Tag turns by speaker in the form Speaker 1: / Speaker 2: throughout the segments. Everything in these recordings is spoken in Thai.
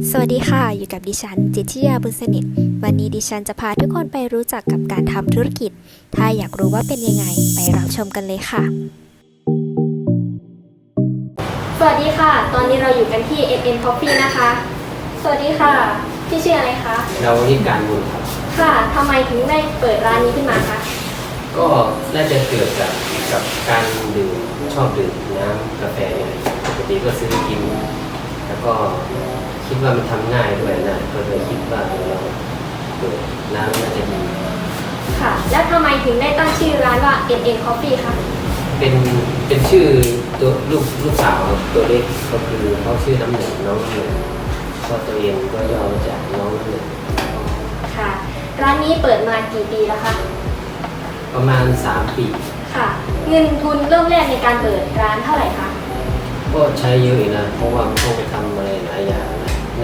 Speaker 1: สวัสดีค่ะอยู่กับดิฉันจิตรยาบุญสนิทวันนี้ดิฉันจะพาทุกคนไปรู้จักกับการทำธุรกิจถ้าอยากรู้ว่าเป็นยังไงไปรับชมกันเลยค่ะสวัสดีค่ะตอนนี้เราอยู่กันที่ NN Coffee นะคะสวัสดีค่ะพี่ชื่ออะไรคะ
Speaker 2: เราที่การบุญครับ
Speaker 1: ค่ะทำไมถึงได้เปิดร้านนี้ขึ้นมาคะ
Speaker 2: ก็น่าจะเกิดกับการดื่มชอบดื่มน้ำกาแฟเนี่ยปกติก็ซื้อกินแล้วก็คิดว่ามันทำง่ายด้วยนะก็เลยคิดว่าเราเปิดน้ำน่าจะดี
Speaker 1: ค่ะแล้วทำไมถึงได้ตั้งชื่อร้านว่า NN Coffee คะ
Speaker 2: เป็นชื่อตัวลูกสาวตัวเล็กก็คือเขาชื่อน้ำหนึ่งน้องน้ำหนึ่งก็ตัวเองก็ย่อมาจากน้องน้ำหนึ่ง
Speaker 1: ค่ะร้านนี้เปิดมากี่ปีแล้วคะ
Speaker 2: ประมาณ3 ปี
Speaker 1: ค่ะเงินทุนเริ่มแรกในการเปิดร้านเท่าไหร่คะ
Speaker 2: ก็ใช้เยอะนะเพราะว่ามันต้องไปทำอะไรหลายอย่างนะน่า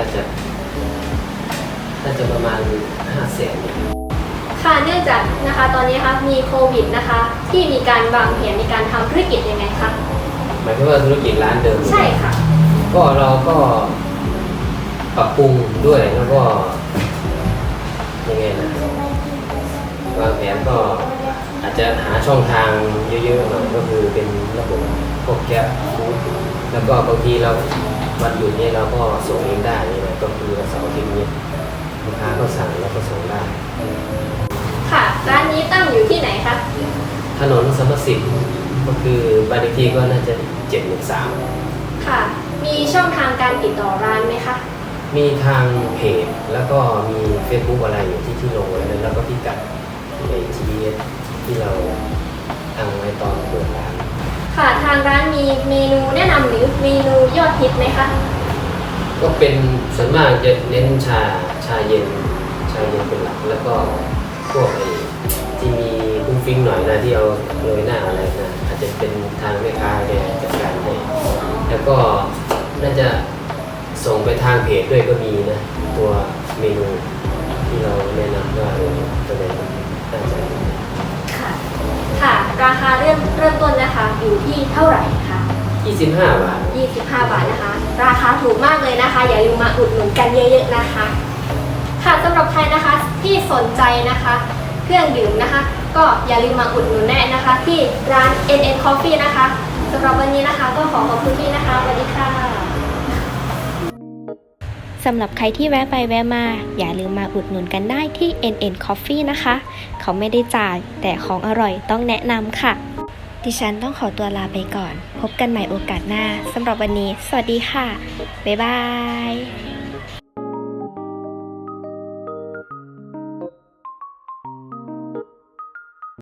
Speaker 2: จะประมาณ500,000
Speaker 1: ค่ะเนื่องจากนะคะตอนนี้คะมีโควิดนะคะที่มีการวางแผนในการทำธุรกิจยังไงคะ
Speaker 2: หมายถึงว่าธุรกิจร้านเดิม
Speaker 1: ใช่ค่ะ
Speaker 2: ก็เราก็ปรับปรุงด้วยแล้วก็ยังไงนะวางแผนก็อาจจะหาช่องทางเยอะๆหน่อยก็คือเป็นระบบพวกแก๊ปฟู้ดแล้วก็บางทีเราวันหยุดนี้เราก็ส่งเองได้นี่นะก็คือเสาร์อาทิตย์นี้ลูกค้าก็สั่งแล้วก็ส่งได้
Speaker 1: ค่ะร้านนี้ตั้งอยู่ที่ไหนคะ
Speaker 2: ถนนสมสิทธิ์ก็คือบ้านเลขที่ก็น่าจะ713
Speaker 1: ค่ะมีช่องทางการติดต่อร้านไหมคะ
Speaker 2: มีทางเพจแล้วก็มี Facebook อะไรอยู่ที่ลงไว้แล้วก็พิกัดใน GPS ที่เราตั้งไว้ตอนเปิดร้าน
Speaker 1: ค่ะทางร้านมีเมนูแนะนำหรือเมนูยอดฮิตไหมคะ
Speaker 2: ก็เป็นส่วนมากจะเน้นชาเย็นเป็นหลักแล้วก็พวกที่มีฟุ้งฟิ้งหน่อยนะที่เอาโรยหน้าอะไรนะอาจจะเป็นทางแม่ค้าแกจัดการให้แล้วก็น่าจะส่งไปทางเพจด้วยก็มีนะตัวเมนูที่เราแนะนำว่าตัวไหนน่าจะ
Speaker 1: ค่ะราคาเริ่มต้นนะคะอยู่ที่เท่าไหร่คะ
Speaker 2: 25 บาท
Speaker 1: 25 บาทนะคะราคาถูกมากเลยนะคะอย่าลืมมาอุดหนุนกันเยอะๆนะคะค่ะสำหรับใครนะคะที่สนใจนะคะเครื่องดื่มนะคะก็อย่าลืมมาอุดหนุนแน่นะคะที่ร้าน NN Coffee นะคะสำหรับวันนี้นะคะก็ขอบคุณพี่นะคะสวัสดีค่ะสำหรับใครที่แวะไปแวะมาอย่าลืมมาอุดหนุนกันได้ที่ NN Coffee นะคะเขาไม่ได้จ่ายแต่ของอร่อยต้องแนะนำค่ะดิฉันต้องขอตัวลาไปก่อนพบกันใหม่โอกาสหน้าสำหรับวันนี้สวัสดีค่ะบ๊ายบาย